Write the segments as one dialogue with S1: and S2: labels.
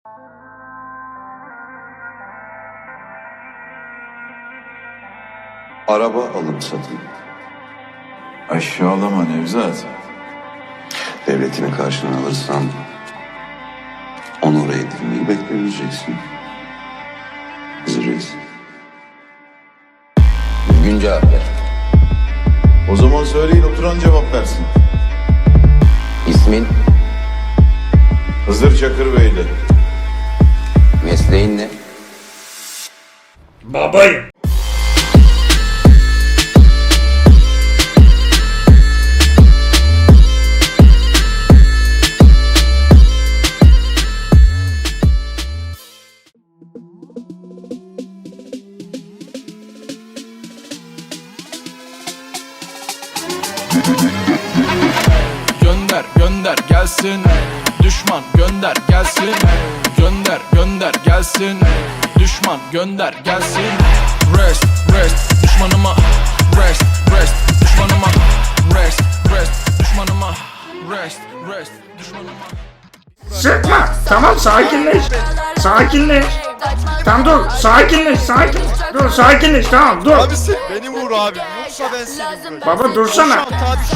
S1: Araba alım satım.
S2: Aşağılama Nevzat.
S1: Devletini karşına alırsan onur edilmeyi beklemeyeceksin. Reis.
S3: Düzgün cevap ver.
S2: O zaman söyleyin, oturan cevap versin.
S3: İsmin,
S2: Hızır Çakırbeyli.
S3: mesleğin ne?
S4: Babayım.
S5: Gönder gönder gelsin, düşman gönder gelsin. Gönder gönder gelsin, düşman gönder gelsin. Rest rest düşmanıma, rest rest düşmanıma, rest rest düşmanıma, rest rest düşmanıma.
S4: Sıkma. Tamam, sakinleş. Sakinleş. Tamam dur. Sakinleş. Sakin. Dur sakinleş. Tamam dur.
S6: Abi sen beni vur abi. Yoksa ben seni vuracağım.
S4: Baba dursana.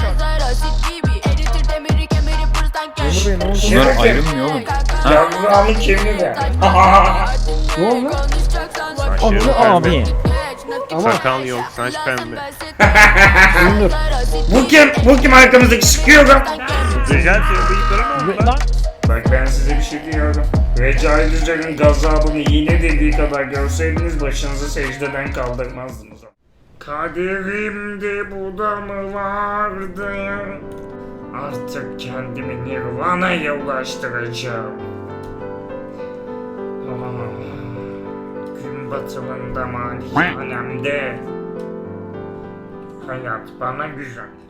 S7: Bunlar ayrılmıyor oğlum.
S4: Yavrağımın kimliği de.
S7: Ne oldu? Anlı abi.
S6: Sakal yok, saç pembe.
S7: Dur.
S4: Bu kim? Bu kim arkamızdaki sıkıyor lan?
S6: Güzel senin bıyıkların mı?
S4: Bak ben size bir şey diyorum. Recai Düzel'in gazabını iğne dediği kadar görseydiniz başınızı secdeden kaldırmazdınız. Kaderimde bu da mı vardı? Artık kendimi Nirvana'ya ulaştıracağım. Gün batımında malikanemde hayat bana güzel.